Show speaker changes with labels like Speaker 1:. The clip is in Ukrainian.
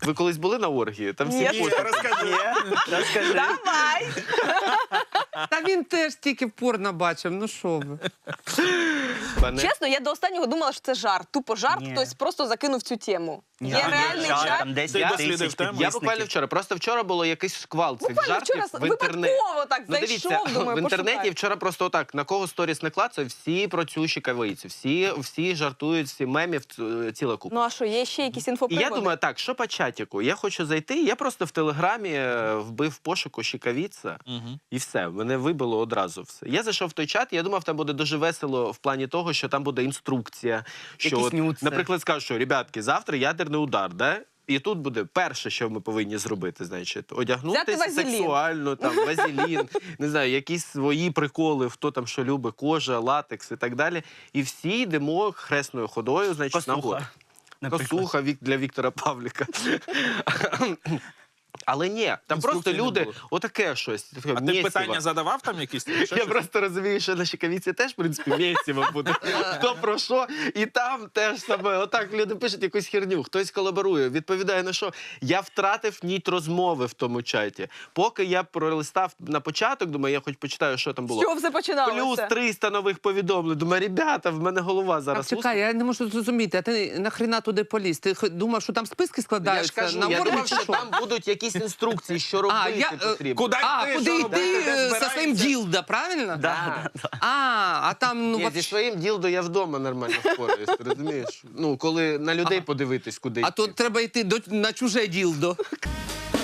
Speaker 1: Ви колись були на оргії? Там всі
Speaker 2: Ні.
Speaker 1: потім.
Speaker 3: Розкажи.
Speaker 2: Давай!
Speaker 4: Та він теж тільки порно бачив, ну що ви.
Speaker 1: Пане-
Speaker 2: Чесно, я до останнього думала, що це жарт. Тупо жарт,
Speaker 3: Ні.
Speaker 2: хтось просто закинув цю тему.
Speaker 3: Ні,
Speaker 2: Є
Speaker 3: там
Speaker 2: реальний
Speaker 3: жарт,
Speaker 2: жарт.
Speaker 3: там 10
Speaker 1: Я
Speaker 3: тисяч
Speaker 5: дослідив тему.
Speaker 1: Я
Speaker 3: підписників.
Speaker 1: буквально вчора, просто вчора було якийсь шквал цих
Speaker 2: Буквально
Speaker 1: жартів
Speaker 2: вчора
Speaker 1: в інтернеті.
Speaker 2: випадково так
Speaker 1: Ну, дивіться,
Speaker 2: зайшов, думаю,
Speaker 1: в інтернеті
Speaker 2: пошукаю.
Speaker 1: вчора просто отак, на кого сторіс не клацаю, всі про цю щекавицю, всі жартують, всі мемів, ціла купа.
Speaker 2: Ну а що, є ще якісь
Speaker 1: І
Speaker 2: інфоприводи?
Speaker 1: я думаю, так, що по чатіку? Я хочу зайти, я просто в Телеграмі вбив в пошуку щекавіця, і все, мене вибило одразу все. Я зайшов в той чат, я думав, там буде дуже весело в плані того, що там буде інструкція, що,
Speaker 3: Якісь
Speaker 1: от,
Speaker 3: нюци.
Speaker 1: наприклад, скажу, що, ребятки, завтра ядерний удар, да? І тут буде перше, що ми повинні зробити, значить,
Speaker 2: Взяти
Speaker 1: одягнутися
Speaker 2: вазелін.
Speaker 1: сексуально, там, вазелін, не знаю, якісь свої приколи, хто там що любить, кожа, латекс і так далі. І всі йдемо хресною ходою, значить, на гору.
Speaker 3: Косуха. наприклад.
Speaker 1: Косуха для Віктора Павліка. Але ні, там
Speaker 5: Інструкцій
Speaker 1: просто
Speaker 5: не
Speaker 1: люди,
Speaker 5: було.
Speaker 1: отаке щось. таке
Speaker 5: А ти
Speaker 1: мєсіво.
Speaker 5: питання задавав там якісь?
Speaker 1: Я просто розумію, що на Щекавіці теж, в принципі, мєсіво буде. Хто про що, і там теж саме. Отак люди пишуть якусь херню, хтось колаборує, відповідає на що. Я втратив ніть розмови в тому чаті. Поки я пролистав на початок, думаю, я хоч почитаю, що там було.
Speaker 2: Що все починалося?
Speaker 1: Плюс 300 нових повідомлень. Думаю, ребята, в мене голова
Speaker 4: Так,
Speaker 1: зараз.
Speaker 4: чекай, я не можу зрозуміти, а ти нахрена туди поліз? Ти думав, що там списки
Speaker 1: Я ж
Speaker 4: складаються
Speaker 1: кажу,
Speaker 4: на
Speaker 1: я
Speaker 4: оргії
Speaker 1: думав,
Speaker 4: чи
Speaker 1: що
Speaker 4: що?
Speaker 1: там будуть якісь інструкції, що робити
Speaker 4: я,
Speaker 1: потрібно.
Speaker 5: Куди йти,
Speaker 4: Куди
Speaker 5: що
Speaker 4: йти
Speaker 5: робити, де
Speaker 4: зі своїм
Speaker 5: збираєшся?
Speaker 4: ділда, правильно?
Speaker 3: Да.
Speaker 4: А там, ну,
Speaker 1: Ні, зі
Speaker 4: вообще...
Speaker 1: своїм ділдо я вдома нормально впораюсь, ти розумієш? Ну, коли на людей подивитись куди.
Speaker 4: А
Speaker 1: йти.
Speaker 4: то треба йти на чуже ділдо.